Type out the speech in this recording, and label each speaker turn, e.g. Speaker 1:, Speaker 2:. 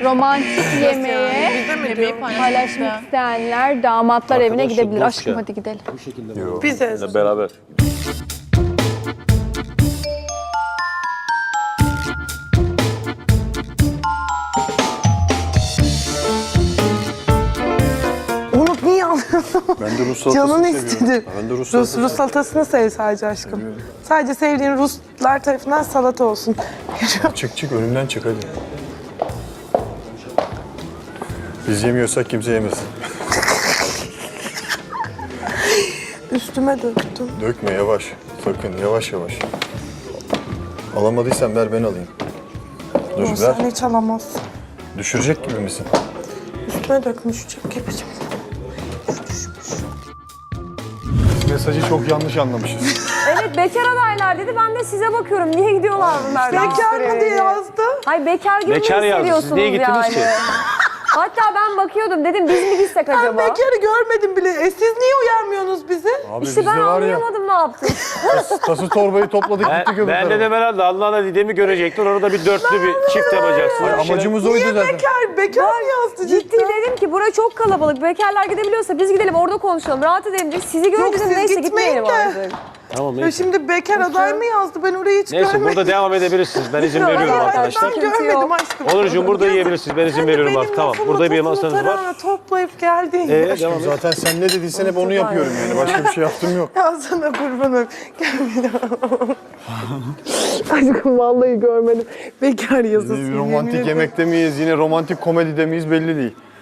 Speaker 1: romantik yemeğe paylaşmak isteyenler damatlar evine gidebilir. Aşkım hadi gidelim.
Speaker 2: Bize.
Speaker 3: Beraber.
Speaker 2: Onu niye alıyorsun?
Speaker 4: Ben de Rus salatası
Speaker 2: Canın
Speaker 4: seviyorum.
Speaker 2: istedi.
Speaker 4: Ben de Rus salatası
Speaker 2: Rus salatasını sev sadece aşkım. Sadece sevdiğin Ruslar tarafından salata olsun.
Speaker 4: Çık önümden çık hadi. Biz yemiyorsak kimse yemesin.
Speaker 2: Üstüme döktüm.
Speaker 4: Dökme yavaş. Sakın yavaş yavaş. Alamadıysan ver ben alayım. Dur
Speaker 2: Yok,
Speaker 4: ver.
Speaker 2: sen hiç alamazsın.
Speaker 4: Düşürecek gibi misin?
Speaker 2: Üstüme dökmüş kepicim.
Speaker 4: Mesajı çok yanlış anlamışız.
Speaker 5: Evet bekar adaylar dedi. Ben de size bakıyorum. Niye gidiyorlar bunlar?
Speaker 2: Bekar mı diye yazdı.
Speaker 5: Hay bekar gibi
Speaker 3: Bekar
Speaker 5: mi
Speaker 3: yazdı.
Speaker 5: hissediyorsunuz
Speaker 3: Siz niye gittiniz
Speaker 5: yani?
Speaker 3: ki?
Speaker 5: Hatta ben bakıyordum dedim biz mi gitsek
Speaker 2: Ben
Speaker 5: acaba?
Speaker 2: bekarı görmedim bile. Siz niye uyarmıyorsunuz bizi?
Speaker 4: Abi
Speaker 5: İşte ben
Speaker 4: bizde var ya.
Speaker 5: anlayamadım ne yaptın.
Speaker 4: Tası torbayı topladık gittik öbür
Speaker 3: Ben
Speaker 4: tarafa.
Speaker 3: dedim herhalde Allah'la Didem'i görecekler. Orada bir dörtlü bir çift yapacaksın.
Speaker 4: Ay, amacımız oydu
Speaker 2: Niye
Speaker 4: zaten.
Speaker 2: bekar? Bekar mı yazdı
Speaker 5: Ciddi
Speaker 2: cidden?
Speaker 5: dedim ki burası çok kalabalık. Bekarlar gidebiliyorsa biz gidelim orada konuşalım. Rahat edelim dedik. Sizi gördüm
Speaker 2: Yok,
Speaker 5: dedim
Speaker 2: siz
Speaker 5: neyse
Speaker 2: gitmeyin
Speaker 5: gitmeyelim
Speaker 2: de.
Speaker 5: artık.
Speaker 3: Tamam
Speaker 2: Ya
Speaker 3: neyse.
Speaker 2: şimdi bekar aday mı yazdı? Ben orayı hiç
Speaker 3: Neyse
Speaker 2: görmedim.
Speaker 3: burada devam edebilirsiniz. Ben izin veriyorum
Speaker 5: Hayır,
Speaker 3: arkadaşlar.
Speaker 2: Ben
Speaker 5: Sıkıntı
Speaker 2: görmedim
Speaker 5: yok.
Speaker 2: aşkım.
Speaker 3: Onurcuğum burada yiyebilirsiniz. Ben izin
Speaker 2: Sen de
Speaker 3: veriyorum
Speaker 2: benim
Speaker 3: artık. Tamam.
Speaker 2: lafımı,
Speaker 3: Burada bir
Speaker 2: topumu,
Speaker 3: masanız var.
Speaker 2: tarağını toplayıp geldin.
Speaker 3: Devam et.
Speaker 4: Zaten sen ne dediysen hep onu yapıyorum yani. Başka bir şey yaptım yok.
Speaker 2: Ya sana kurbanım. Gel bir daha. Aşkım vallahi görmedim. Bekar yazısı.
Speaker 4: Romantik yemekte miyiz, yine romantik komedide miyiz belli değil.